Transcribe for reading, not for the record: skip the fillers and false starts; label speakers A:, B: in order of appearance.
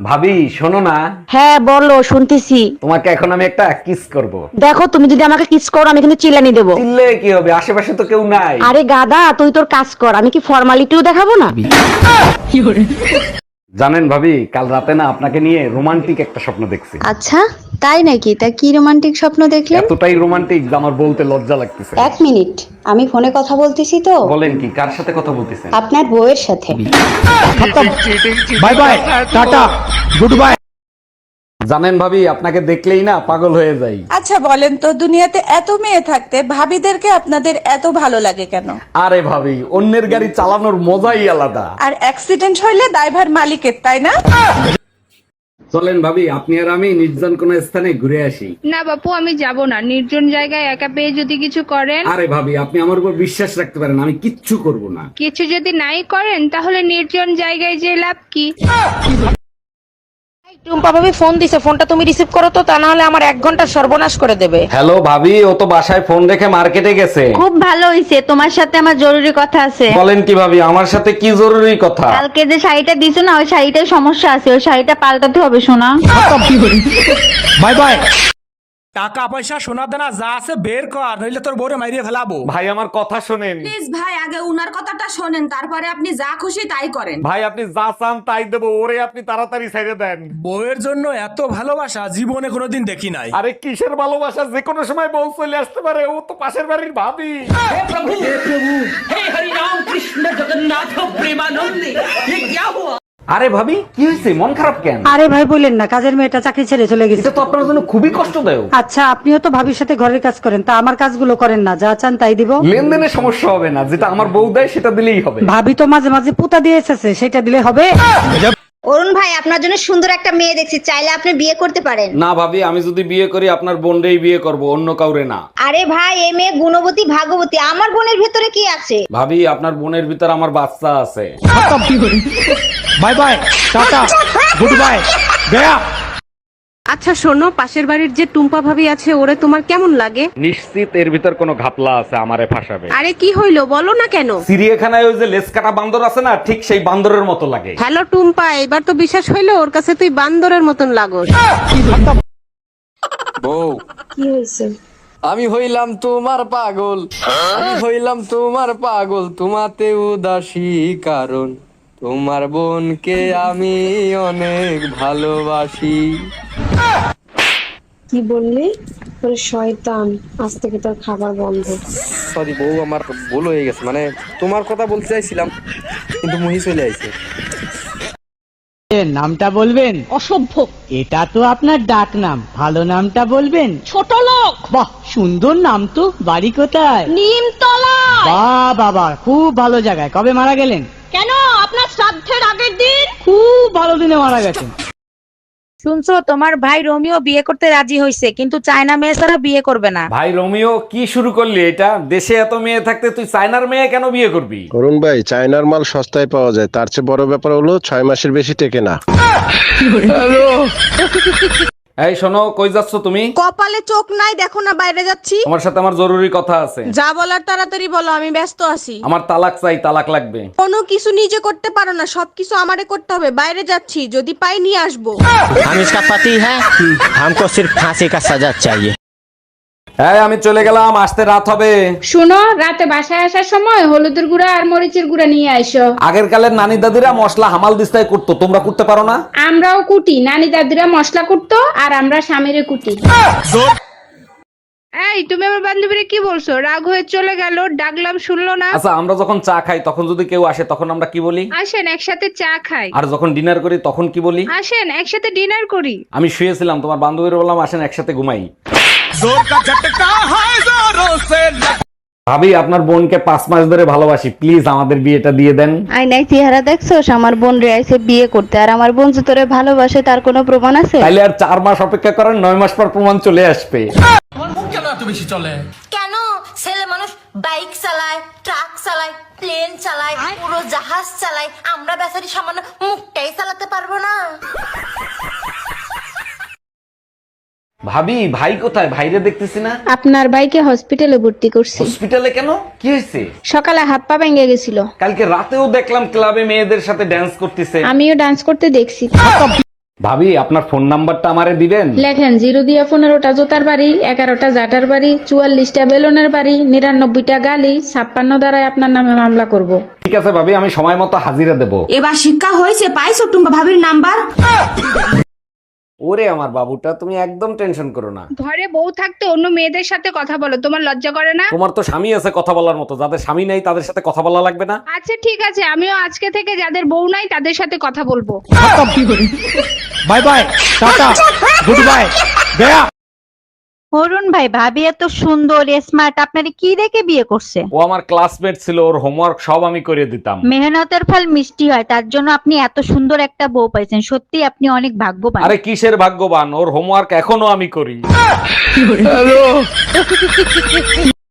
A: ভাবি শোনো না,
B: হ্যাঁ বলো, শুনতেছি।
A: তোমাকে এখন আমি একটা কিস করব।
B: দেখো, তুমি যদি আমাকে কিস করো আমি কিন্তু চিল্লানি দেবো।
A: চিল্লে কি হবে, আশেপাশে তো কেউ নাই।
B: আরে গাদা, তুই তোর কাজ কর, আমি কি ফর্মালিটিও দেখাবো না?
A: জানেন ভাবি, কাল রাতে না আপনাকে নিয়ে রোমান্টিক একটা স্বপ্ন দেখছি।
C: আচ্ছা, তাই নাকি? তা কি রোমান্টিক স্বপ্ন দেখলেন?
A: এতটাই রোমান্টিক যে আমার বলতে লজ্জা লাগতেছে।
C: এক মিনিট, আমি ফোনে কথা বলতেছি তো।
A: বলেন কি, কার সাথে কথা বলতেছেন?
C: আপনার বউয়ের সাথে।
A: Bye bye, tata, good bye. জানেন ভাবি, আপনাকে দেখলেই না পাগল হয়ে যাই।
D: আচ্ছা বলেন তো, দুনিয়াতে এত মেয়ে থাকতে ভাবিদেরকে আপনাদের এত ভালো লাগে কেন?
A: আরে ভাবি, অন্যের গাড়ি চালানোর মজাই আলাদা।
D: আর অ্যাক্সিডেন্ট হইলে দায়ভার মালিকের, তাই না?
A: চলেন ভাবি, আপনি আর আমি নির্জন কোন স্থানে ঘুরে আসি।
E: না বাপু, আমি যাব না। নির্জন জায়গায় একা পেয়ে যদি কিছু করেন।
A: আরে ভাবি, আপনি আমার উপর বিশ্বাস রাখতে পারেন, আমি কিচ্ছু করব না।
E: কিছু যদি নাই করেন তাহলে নির্জন জায়গায় যে লাভ কি?
B: টুম্পা ভাবি ফোন দিছে, ফোনটা তুমি রিসিভ করো তো, তা না হলে আমার 1 ঘন্টা সর্বনাশ করে দেবে।
A: হ্যালো ভাবি, ও তো বাসায় ফোন রেখে মার্কেটে গেছে।
F: খুব ভালো হইছে, তোমার সাথে আমার জরুরি কথা আছে।
A: বলেন কি ভাবি, আমার সাথে কি জরুরি কথা?
F: কালকে যে শাড়িটা দিছো না, ওই শাড়িটায় সমস্যা আছে, ওই শাড়িটা পাল্টাতে হবে শোনা।
A: Bye bye.
G: টাকা পয়সা সোনা দানা যা আছে বের কর, নইলে তোর বউরে মাইরিয়ে ফেলাবো।
A: ভাই আমার কথা শোনেন।
H: প্লিজ ভাই, আগে উনার কথাটা শোনেন, তারপরে আপনি যা খুশি তাই করেন।
A: ভাই আপনি যা চান তাই দেবো, ওরে আপনি তাড়াতাড়ি ছেড়ে দেন।
G: বউয়ের জন্য এত ভালোবাসা জীবনে কোনোদিন দেখি নাই।
A: আরে কিসের ভালোবাসা, যে কোনো সময় বউ চলে আসতে পারে, ও তো পাশের বাড়ির ভাবি। আরে ভাবি, কি হয়েছে, মন খারাপ কেন?
B: আরে ভাই বললেন না, কাজের মেয়েটা চাকরি ছেড়ে চলে গেছে।
A: এটা তো আপনার জন্য খুবই কষ্টদায়ক।
B: আচ্ছা, আপনিও তো ভাবির সাথে ঘরের কাজ করেন, তা আমার কাজগুলো করেন না, যা চান তাই দিব।
A: লেনদেনের সমস্যা হবে না, যেটা আমার বউ দেয় সেটা দিলেই হবে।
B: ভাবি তো মাঝে মাঝে পুতা দিয়ে এসেছে, সেটা দিলে হবে।
C: অরুণ ভাই, আপনার জন্য সুন্দর একটা মেয়ে দেখছি, চাইলে আপনি বিয়ে করতে পারেন।
A: না ভাবি, আমি যদি বিয়ে করি আপনার বোনরেই বিয়ে করব, অন্য কাউরে না।
C: আরে ভাই, এই মেয়ে গুণবতী ভাগবতী, আমার বোনের ভেতরে কি আছে?
A: ভাবি, আপনার বোনের ভিতর আমার বাচ্চা আছে।
G: Bye bye, tata, good bye, গয়া।
I: আচ্ছা শোনো, পাশের বাড়ির যে টুম্পা ভাবি আছে, ওরে তোমার কেমন লাগে?
A: নিশ্চিত এর ভিতর কোনো ঘাপলা আছে, আমারে ফাঁসাবে।
I: আরে কি হইলো বলো না কেন?
A: চিড়িয়াখানায় ওই যে লেজ কাটা বান্দর আছে না, ঠিক সেই বান্দরের মতো লাগে।
I: হ্যালো টুম্পা, এবার তো বিশ্বাস হইলো ওর কাছে তুই বান্দরের মতন লাগোস।
J: বউ,
C: কি হয়েছে?
J: আমি হইলাম তোমার পাগল, আমি হইলাম তোমার পাগল, তোমাতে উদাসী কারণ তোমার বোনকে আমি অনেক ভালোবাসি।
C: কি বললি? তোর শয়তান, আজ থেকে তোর খাবার বন্ধ।
J: সরি বউ, আমার ভুল হয়ে গেছে, মানে তোমার কথা বলতে চাইছিলাম কিন্তু মুহি চলে আইছে।
K: নামটা বলবেন?
I: অসভ্য।
K: এটা তো আপনার ডাক নাম, ভালো নামটা বলবেন?
I: ছোট লোক।
K: বাহ, সুন্দর নাম তো। বাড়ি কোথায়?
I: নিমতলা।
K: বাহ বাবা, খুব ভালো জায়গায়। কবে মারা গেলেন?
I: কেন, আপনার শ্রাদ্ধের আগের দিন।
K: খুব ভালো দিনে মারা গেছেন।
B: শুনছো, তোমার ভাই রোমিও বিয়ে করতে রাজি হয়েছে, কিন্তু চায়না মেয়ে ছাড়া বিয়ে করবে না।
A: ভাই রোমিও, কি শুরু করলি এটা? দেশে এত মেয়ে থাকতে তুই চায়নার মেয়ে কেন বিয়ে করবি?
L: অরুণ ভাই, চায়নার মাল সস্তায় পাওয়া যায়, তার চেয়ে বড় ব্যাপার হলো 6 মাসের বেশি টেকে না।
A: এই শোনো, কই যাচ্ছ তুমি?
I: কপালে চোখ নাই, দেখো না বাইরে যাচ্ছি।
A: তোমার সাথে আমার জরুরি কথা আছে।
I: যা বলার তাড়াতাড়ি বলো, আমি ব্যস্ত আছি।
A: আমার তালাক চাই, তালাক লাগবে।
I: কোনো কিছু নিজে করতে পারো না, সবকিছু আমারে করতে হবে। বাইরে যাচ্ছি, যদি পাই নিয়ে আসবো।
K: हम इसका पति है, हमको सिर्फ फांसी का सजा चाहिए।
A: হ্যাঁ, আমি চলে গেলাম, আসতে রাত হবে।
E: শুনো, রাতে বাসায় আসার সময় হলুদের গুঁড়া আর মরিচের গুঁড়া নিয়ে আইসো।
A: আগের কালের নানি দাদিরা মশলা হামাল দিস্তায় করতো, তোমরা করতে পারো না?
E: আমরাও কুটি, নানি দাদিরা মশলা কুটতো আর আমরা স্বামীরে কুটি। এই, তুমি আমার বান্ধবীরে কি বলছো? রাগ হয়ে চলে গেল, ডাকলাম শুনলো না।
A: আচ্ছা, আমরা যখন চা খাই তখন যদি কেউ আসে তখন আমরা কি বলি?
E: আসেন একসাথে চা খাই।
A: আর যখন ডিনার করি তখন কি বলি?
E: আসেন একসাথে ডিনার করি।
A: আমি শুয়েছিলাম, তোমার বান্ধবীর বললাম আসেন একসাথে ঘুমাই। ভাবি, আপনার বোনকে 5 মাস ধরে ভালোবাসি, প্লিজ আমাদের বিয়েটা দিয়ে দেন।
F: আয়নায় চেহারা দেখছোস? আমার বোন রে আইছে বিয়ে করতে, আর আমার বোন যে তোরে ভালোবাসে তার কোনো প্রমাণ আছে?
A: তাইলে আর 4 মাস অপেক্ষা করেন, 9 মাস পর প্রমাণ চলে আসবে।
G: কেন এত বেশি চলে?
H: কেন? ছেলে মানুষ বাইক চালায়, ট্রাক চালায়, প্লেন চালায়, পুরো জাহাজ চালায়, আমরা বেচারি সামান্য মুখটাই চালাতে পারবো না?
A: ভাবি, ভাই কোথায়? ভাইরে দেখতেছি না।
E: আপনার ভাইকে হসপিটালে ভর্তি করছি।
A: হসপিটালে কেন, কি হয়েছে?
E: সকালে হাত পা ভেঙে গেছিল।
A: কালকে রাতেও দেখলাম ক্লাবে মেয়েদের সাথে ড্যান্স করতেছে।
E: আমিও ডান্স করতে দেখছি।
A: ভাবি আপনার ফোন নাম্বারটা আমারে দিবেন?
E: লেখেন 0 দিয়া 15টা জোতার বাড়ি, 11টা জাটার বাড়ি, 44টা বেলুনের বাড়ি, 99টা গালি, 56 দ্বারাই আপনার নামে মামলা করব।
A: ঠিক আছে ভাবি, আমি সময় মতো হাজিরা দেব।
I: এবার শিক্ষা হয়েছে, পাইছো টুম্বা ভাবির নাম্বার?
A: ওরে আমার বাবুটা, তুমি একদম টেনশন করো না।
E: ঘরে বউ থাকতে অন্য মেয়েদের সাথে কথা বলো, তোমার লজ্জা করে না?
A: তোমার তো স্বামী আছে কথা বলার মতো, যাদের স্বামী নেই তাদের সাথে কথা বলা লাগবে না?
E: আচ্ছা ঠিক আছে, আমিও আজকে থেকে যাদের বউ নাই তাদের সাথে কথা বলবো।
G: Bye bye, tata, good bye, গয়া।
B: অরুণ ভাই, ভাবি এত সুন্দর স্মার্ট, আপনারে কি দেখে বিয়ে করছে?
A: ও আমার ক্লাসমেট ছিল, ওর হোমওয়ার্ক সব আমি করে দিতাম।
B: মেহনতের ফল মিষ্টি হয়, তার জন্য আপনি এত সুন্দর একটা বউ পাইছেন। সত্যি আপনি অনেক ভাগ্যবান।
A: আরে কিসের ভাগ্যবান, ওর হোমওয়ার্ক এখনো আমি করি।